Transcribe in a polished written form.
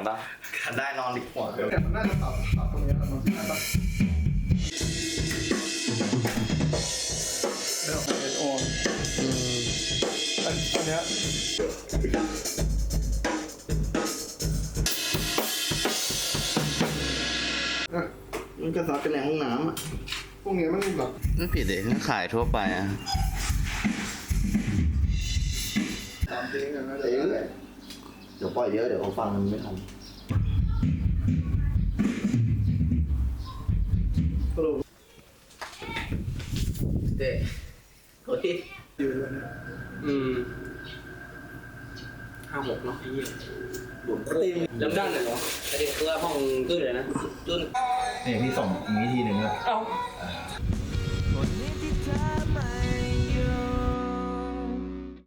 ป่ะได้นอนดีกว่าแต่มันน่าจะปรับตรงนี้มันใช่ปะเดี๋ยวเป็นโอนอันเนี้ยมันก็ซัดกันในห้องน้ำอ่ะพวกนี้มันแบบไม่ผิดเลยขายทั่วไปอ่ะตามจริงนะเดี๋ยวปล่อยเยอะเดี๋ยวเขาฟังมันไม่ทันสรุปเด็กเฮ้ยอยู่เลยนะ 56เนาะไอ้เหี้ยบุ๋มตีมเริ่มด้านเลยเหรอประเด็นคือว่าห้องตื้นเลยนะตื้นนี่พี่ส่งอย่างนี้ทีหนึ่งเลยเอ้า